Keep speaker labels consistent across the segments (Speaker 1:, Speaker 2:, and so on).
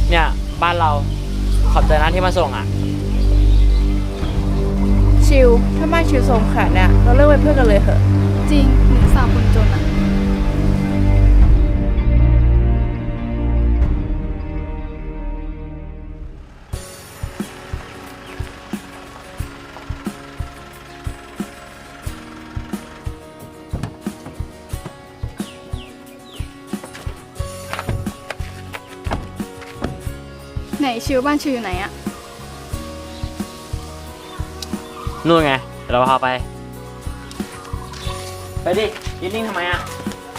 Speaker 1: เนี่ยบ้านเราขอบใจนะที่มาส่งอ่ะ
Speaker 2: ชิวถ้าบ้านชิวส่งขนาดเนี่ยเราเลิกเป็นเพื่อนกันเลยเหอะ
Speaker 3: จริงหนูสาวคนจนอะไหนชิวบ้านชิวอยู่ไหนอะ
Speaker 1: นู่นไงเดี๋ยวเราพาไปดิยืนนิ่งทำไมอ่ะ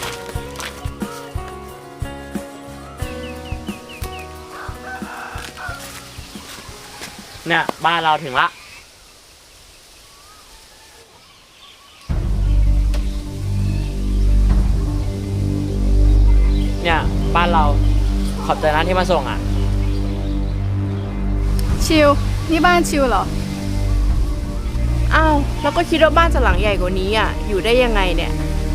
Speaker 1: เนี่ยบ้านเราถึงละเนี่ยบ้านเราขอบใจนะที่มาส่งอ่ะ
Speaker 3: ชิวนี่บ้านชิวเหรอ
Speaker 2: อ้าวเราก็คิดว่าบ้านจะหลังใหญ่กว่านี้อ่ะอยู่ได้ยังไงเนี่ย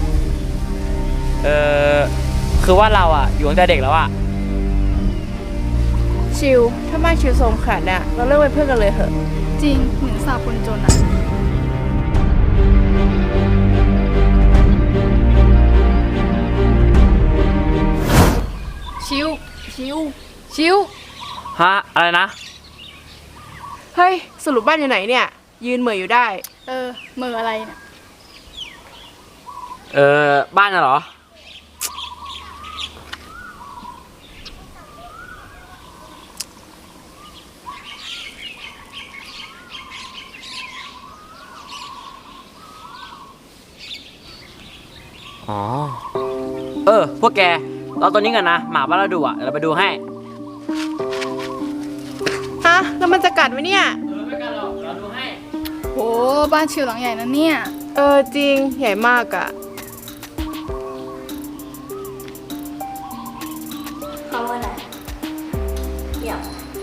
Speaker 1: คือว่าเราอ่ะอยู่ตั้งแต่เด็กแล้วอ่ะ
Speaker 2: ชิวถ้าบ้านชิวส่งขนาดเนี่ยเราเลิกเป็นเพื่อนกันเลยเหอะ
Speaker 3: จริงหนูสาวคนจนอะชิว
Speaker 1: ฮะอะไรนะ
Speaker 2: เฮ้ยสรุปบ้านอยู่ไหนเนี่ยยืนเหม่ออยู่ได้
Speaker 3: เมื่ออะไรเนี่ย
Speaker 1: บ้านน่ะเหรออ๋อพวกแกเราตัวนี้กันนะหมาบ้านเราดุอ่ะเดี๋ยวเราไปดูให้
Speaker 2: ฮะแล้วมันจะกัดไหมเนี่ย
Speaker 1: ไม่กันหรอกเราดูให้
Speaker 3: โหบ้านชิวหลังใหญ่นะเนี่ย
Speaker 2: จริงใหญ่มากอ่ะ
Speaker 4: เขาว่าอะไรเดี๋ยว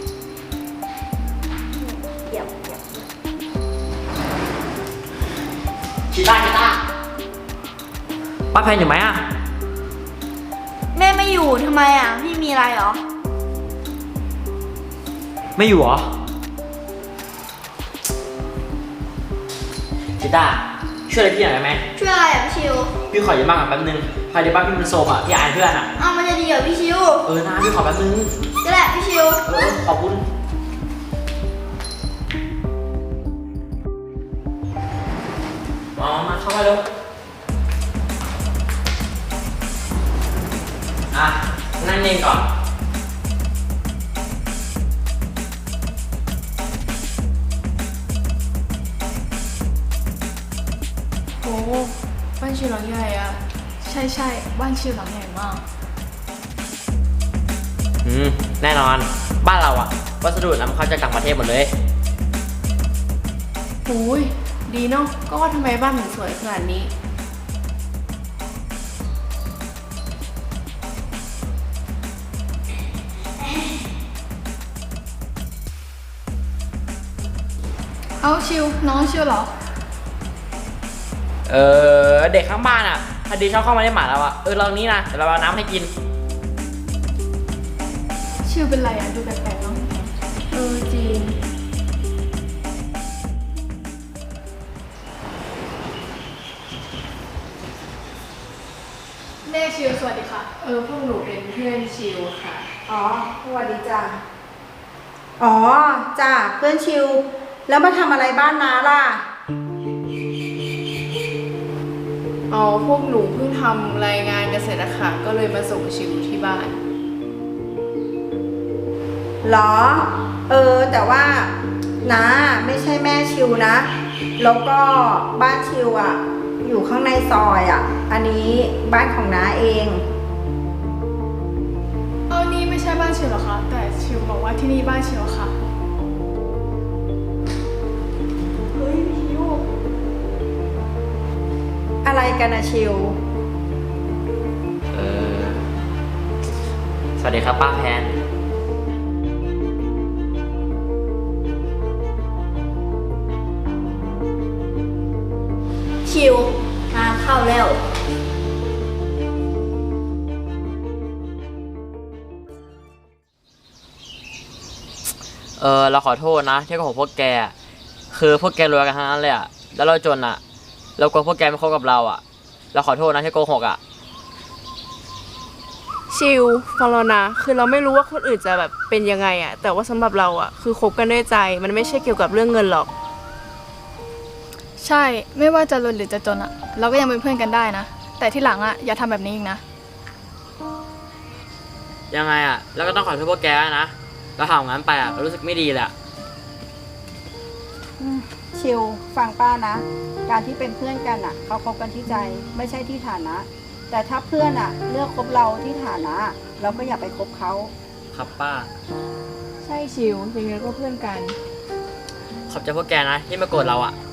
Speaker 1: ชิต้าป้าแพนอยู่ไหมอ่ะ
Speaker 4: แม่ไม่อยู่ทำไมอ่ะพี่มีอะไรเหรอ
Speaker 1: ไม่อยู่เหรอชิต้าช่วยอะไรพี่หน่อยได้ไหม
Speaker 4: ช่วยอะไรอ่ะพี่ชิว
Speaker 1: พี่ขออยู่บ้านก่อนแป๊บนึงภายในบ้านพี่มันโซมอ่ะพี่อายเพื่อนอ่ะ
Speaker 4: มันจะดีเหรอพี่ชิว
Speaker 1: นะพี่ขอแป๊บนึง
Speaker 4: ก็แหละพี่ชิว
Speaker 1: ขอบคุณมาเข้ามาเร็วนั่งเองก่อน
Speaker 2: โอ้บ้านชิวหลังใหญ่อ่ะ
Speaker 3: ใช่บ้านชิวหลังใหญ่มาก
Speaker 1: แน่นอนบ้านเราอะวัสดุนำเข้าจากต่างประเทศหมดเลย
Speaker 2: โอ้ยดีเนาะก็ว่าทำไมบ้านถึงสวยขนาดนี้
Speaker 3: เอาชิวน้องชิวเหรอ
Speaker 1: เด็กข้างบ้านอะพอดีชอบเข้ามาในหมาเราอะเรานี้นะเดี๋ยวเราเอาน้ำให้กิน
Speaker 3: ชิวเป็นไรอะดูแปลกๆเนาะ
Speaker 2: จริง
Speaker 3: แม่ชิวสวัสดีค่ะ
Speaker 2: พวกหนูเป็นเพื่อนชิวค่ะ
Speaker 5: สวัสดีจ้ะจ้ะเพื่อนชิวแล้วมาทำอะไรบ้านน้าล่ะ
Speaker 2: พวกหนูเพิ่งทำรายงานกันเสร็จนะคะก็เลยมาส่งชิวที่บ้าน
Speaker 5: หรอแต่ว่าน้าไม่ใช่แม่ชิวนะแล้วก็บ้านชิวอ่ะอยู่ข้างในซอยอ่ะอันนี้บ้านของน้าเอง
Speaker 3: นี่ไม่ใช่บ้านชิวหรอคะแต่ชิวบอกว่าที่นี่บ้านชิวค่ะ
Speaker 5: เฮ้ยชิวอะไรกันนะชิว
Speaker 1: สวัสดีครับป้าแพน
Speaker 4: ชิวงานเข้าแล้ว
Speaker 1: เราขอโทษนะที่โกหกพวกแกอะคือพวกแกรวยกันทั้งนั้นเลยอะแล้วเราจนอะเรากลัวพวกแกไม่คบกับเราอะเราขอโทษนะที่โกหกอะ
Speaker 2: ชิลฟังเรานะคือเราไม่รู้ว่าคนอื่นจะแบบเป็นยังไงอะแต่ว่าสำหรับเราอะคือคบกันด้วยใจมันไม่ใช่เกี่ยวกับเรื่องเงินหรอก
Speaker 3: ใช่ ไม่ว่าจะรวยหรือจะจนอะเราก็ยังเป็นเพื่อนกันได้นะ แต่ที่หลังอะอย่าทำแบบนี้อีกนะ
Speaker 1: ยังไงอะแล้วก็ต้องขอโทษพวกแกนะเราทำงั้นไปอะเรารู้สึกไม่ดีเลยอะ
Speaker 5: ชิวฟังป้านะ การที่เป็นเพื่อนกันอ่ะเขาคบกันที่ใจไม่ใช่ที่ฐานะ แต่ถ้าเพื่อนอ่ะเลือกคบเราที่ฐานะ เราก็อย่าไปคบเขา
Speaker 1: ครับป้า
Speaker 2: ใช่ชิลยังไงก็เพื่อนกัน
Speaker 1: ขอบใจพวกแกนะที่ไม่โกรธเราอะ